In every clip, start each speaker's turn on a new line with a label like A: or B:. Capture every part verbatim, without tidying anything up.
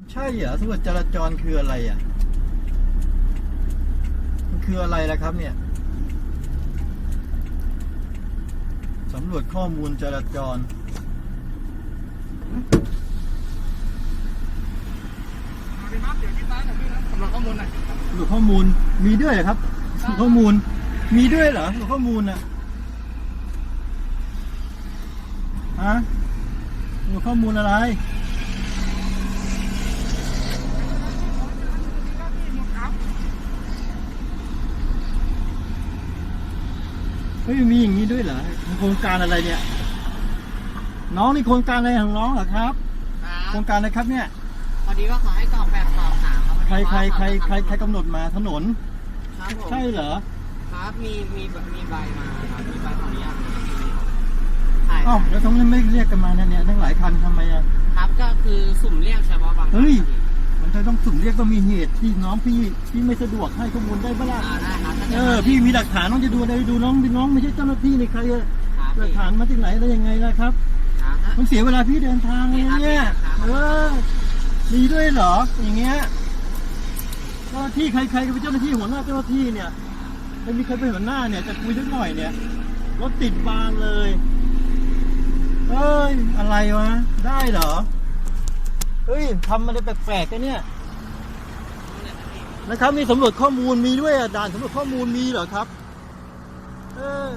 A: ใช่เหรอตำรวจจราจรคืออะไรอ่ะมันคืออะไรล่ะครับเนี่ยสำรวจข้อมูลจราจร
B: เดี๋ยวที่ร้านของพี่นะสำรวจข้อมูลหน่อย
A: สำรวจข้อมูลมีด้วยเหรอครับสำรวจข้อมูลมีด้วยเหรอสำรวจข้อมูลอ่ะฮะสำรวจข้อมูลอะไรเฮ้ยมีอย่างนี้ด้วยเหรอโครงการอะไรเนี่ยน้องนี่โครงการอะไรของน้องเหรอครับโครงการอะไรครับเนี่ย
B: พอดีว่าขอให้กรอกแบบสอบถามครับ
A: ใครใครใครใครใครกำหนดมาถนน
B: ครับผม
A: ใช่เหรอ
B: ครับมีมีมีใบมาครับมีใบขออนุญาต
A: อ้าวแล้วทำไมไม่เรียกกันมาเนี่ยเนี่ยทั้งหลายคันทำไมอ่ะ
B: ครับก็คือสุ่มเรียกเฉพาะบาง
A: เฮ้ยมันจะต้องสุ่มเรียกต้องมีเหตุที่น้องพี่พี่ไม่สะดวกให้ข้อมูลได้ปะล่ะ
B: ได้ครับ
A: เออพี่มีหลักฐานน้องจะดูอะไรดูน้องพี่น้องไม่ใช่เจ้าหน้าที่ในใครอะหลักฐานมาจากไหนได้ยังไงล่ะครับมันเสียเวลาพี่เดินทางเลยเนี่ยเออมีด้วยเหรออย่างเงี้ยเจ้าหน้าที่ใครใครเป็นเจ้าหน้าที่หัวหน้าเจ้าหน้าที่เนี่ยไม่มีใครเป็นหัวหน้าเนี่ยจะคุยสักหน่อยเนี่ยรถติดบานเลยเอ้ยอะไรวะได้เหรอเฮ้ยทำอะไรแปลกๆกันเนี่ยนะครับมีสำรวจข้อมูลมีด้วยอ่ะด่านสำรวจข้อมูลมีเหรอครับเออ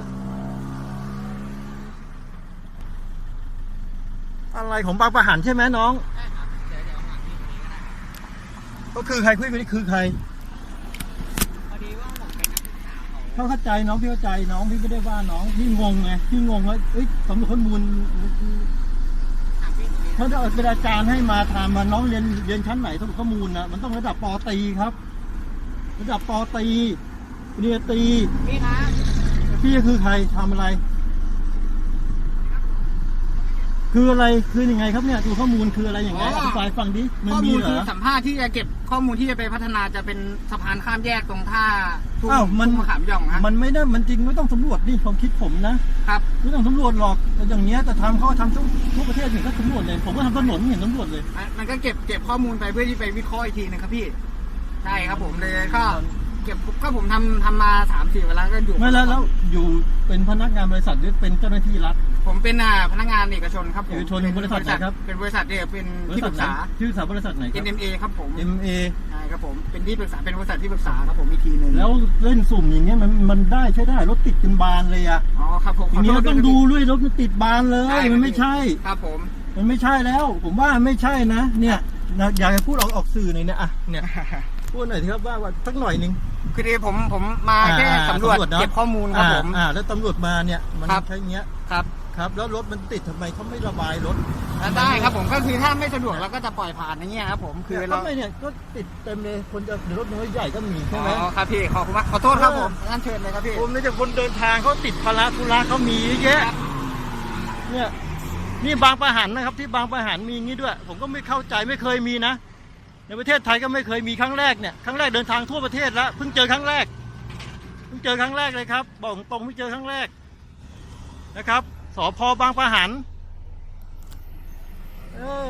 A: อะไรของบางประหันใช่ไหมน้อง
B: ใช่ครับเดี๋ยวเดี๋ยวหาที่ตรงนี้ก็ได้
A: ก็คือใครคุยกันนี่คือใคร
B: พอดีว่าผมเป็นนักศึกษาเขา
A: เขาเข้าใจน้องพี่เข้าใจน้องพี่ไม่ได้ว่าน้องพี่งงไงพี่งงว่าเอ้ยสำรวจข้อมูลเขาจะเป็นอาจารย์ให้มาทำมาน้องเรียนเรียนชั้นไหนสำรวจข้อมูลนะมันต้องระดับป.ตรีครับระดับป.ตรีเรียนตรี
B: พี่ครับ
A: พี่คือใครทำอะไรคืออะไรคือยังไงครับเนี่ยดูข้อมูลคืออะไรอย่างไรอธิบายฟังดิ
B: ข้อมูลคือสัมภาษณ์ที่จะเก็บข้อมูลที่จะไปพัฒนาจะเป็นสะพานข้ามแยกตรงท่า
A: อ้าวมัน
B: มะขามหย่องฮะ
A: มันไม่ได้มันจริงไม่ต้องสำรวจดิความคิดผมนะครับไม่ต้องสำรวจหรอกอย่างเงี้ยแต่ทำเขาทำทุกทุกประเทศเห็นก็สำรวจเลยผมก็ทำถนนเห็นสำรวจเลย
B: มันก็เก็บเก็บข้อมูลไปเพื่อที่ไปวิเคราะห์อีกทีนึงครับพี่ใช่ครับผมเลยก็เก็บก็ผมทำทำมาสามสี่เวลาก็อยู่
A: ไม่แล้วแล้วอยู่เป็นพนักงานบริษัทหรือเป็นเจ้าหน้าที่รัฐ
B: ผมเป็นพนักงานเอกชนครับผม
A: เอกชนบริษัทไหนครับ
B: เป็นบริษัทเดียวเป็นที่ปรึกษา
A: ที่ปรึกษาบริษัทไหนครับ
B: เอ็ม เอ ครับผม
A: เอ็ม เอ
B: ใช่ครับผมเป็นที่ปรึกษาเป็นบริษัทที่ปรึกษาครับผมอีกทีนึง
A: แล้วเล่นสุ่มอย่างเงี้ยมันมันได้ใช้ได้รถติดเป็นบานเลยอ่ะ
B: อ๋อครับผม
A: อย่างเงี้ยต้องดูด้วยรถมันติดบานเลยมันไม่ใช่
B: ครับผม
A: มันไม่ใช่แล้วผมว่าไม่ใช่นะเนี่ยอยากจะพูดออกออกสื่อหน่อยนะอ่ะเนี่ยพูดหน่อยสิครับว่าว่าสักหน่อยนึง
B: คือผมผมมาแค่สำรวจเก็บข้อมูลครับผม
A: อ่าแล้วตำรวจมาเนี่ยมันใช้เงี้ย
B: ครับ
A: ครับแล้วรถมันติดทำไมเขาไม่ระบายรถ
B: ได้ครับผมก็คือถ้าไม่สะดวกเราก็จะปล่อยผ่านอย่างเงี้ยครับผมคือ
A: เราไม่เนี่ยก็ติดเต็มเลยคนจะรถน้อยใหญ่ก็มีใช่ไหม
B: อ๋อครับพี่ขอบคุณมากขอโทษครับผมงั้นเชิญเลยครับพี่
A: ผมเนี่ยจะคนเดินทางเขาติดภาระธุระเขามีเยอะแยะเนี่ยนี่บางประหันนะครับที่บางประหันมีงี้ด้วยผมก็ไม่เข้าใจไม่เคยมีนะในประเทศไทยก็ไม่เคยมีครั้งแรกเนี่ยครั้งแรกเดินทางทั่วประเทศแล้วเพิ่งเจอครั้งแรกเพิ่งเจอครั้งแรกเลยครับบอกตรงไม่เจอครั้งแรกนะครับสภ.บางประหันเออ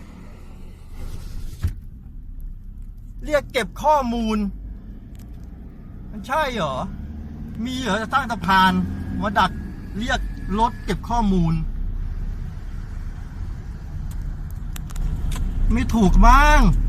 A: เรียกเก็บข้อมูลมันใช่เหรอมีเหรอจะตั้งสะพานมาดักเรียกรถเก็บข้อมูลไม่ถูกบ้าง